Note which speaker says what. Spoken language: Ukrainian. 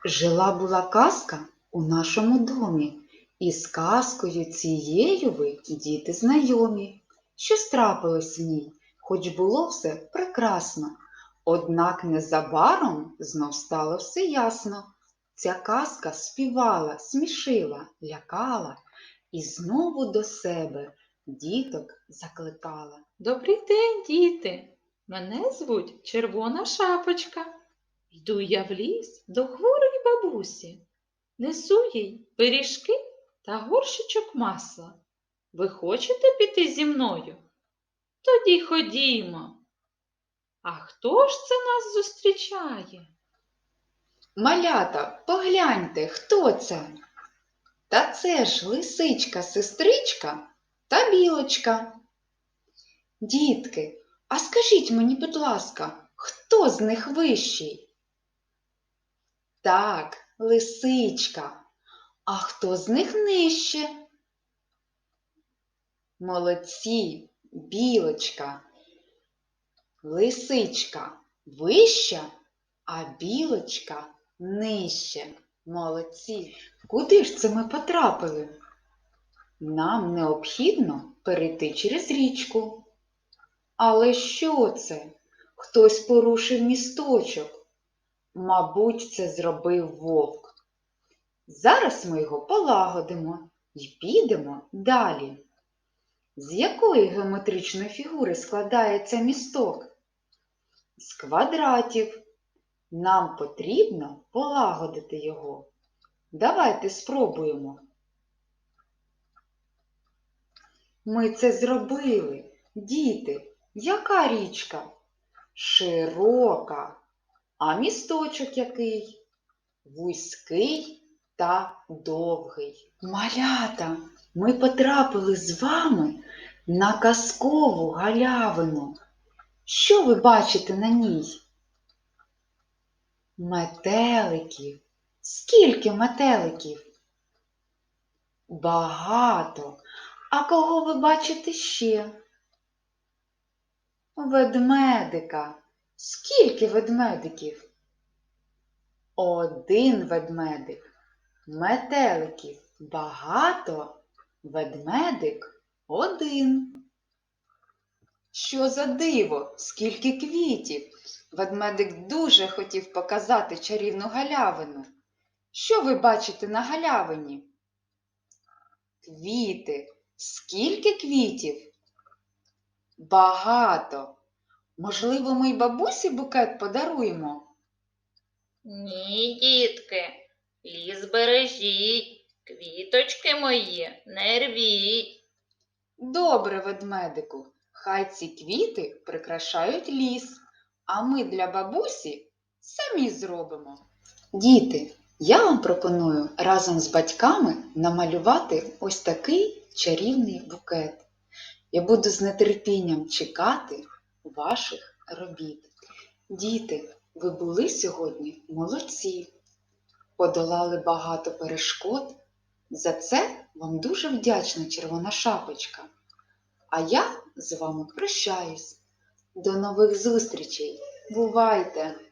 Speaker 1: Жила-була казка у нашому домі, і з казкою цією ви, діти, знайомі. Що трапилось в ній, хоч було все прекрасно. Однак незабаром знов стало все ясно. Ця казка співала, смішила, лякала і знову до себе діток закликала.
Speaker 2: Добрий день, діти! Мене звуть Червона Шапочка. Йду я в ліс до хворої бабусі. Несу їй пиріжки та горщичок масла. Ви хочете піти зі мною? Тоді ходімо. А хто ж це нас зустрічає?
Speaker 1: Малята, погляньте, хто це? Та це ж лисичка-сестричка та білочка. Дітки, а скажіть мені, будь ласка, хто з них вищий? Так, лисичка. А хто з них нижче? Молодці, білочка. Лисичка вища, а білочка нижче. Молодці. Куди ж це ми потрапили? Нам необхідно перейти через річку. Але що це? Хтось порушив місточок. Мабуть, це зробив вовк. Зараз ми його полагодимо і підемо далі. З якої геометричної фігури складається місток? З квадратів. Нам потрібно полагодити його. Давайте спробуємо. Ми це зробили. Діти, яка річка? Широка. А місточок який? Вузький та довгий. Малята, ми потрапили з вами на казкову галявину. Що ви бачите на ній? Метеликів. Скільки метеликів? Багато. А кого ви бачите ще? Ведмедика. Скільки ведмедиків? Один ведмедик. Метеликів багато, ведмедик один. Що за диво? Скільки квітів? Ведмедик дуже хотів показати чарівну галявину. Що ви бачите на галявині? Квіти. Скільки квітів? Багато. Можливо, ми й бабусі букет подаруємо?
Speaker 2: Ні, дітки, ліс бережіть, квіточки мої не рвіть.
Speaker 1: Добре, ведмедику, хай ці квіти прикрашають ліс, а ми для бабусі самі зробимо. Діти, я вам пропоную разом з батьками намалювати ось такий чарівний букет. Я буду з нетерпінням чекати ваших робіт. Діти, ви були сьогодні молодці, подолали багато перешкод. За це вам дуже вдячна Червона Шапочка. А я з вами прощаюсь. До нових зустрічей. Бувайте!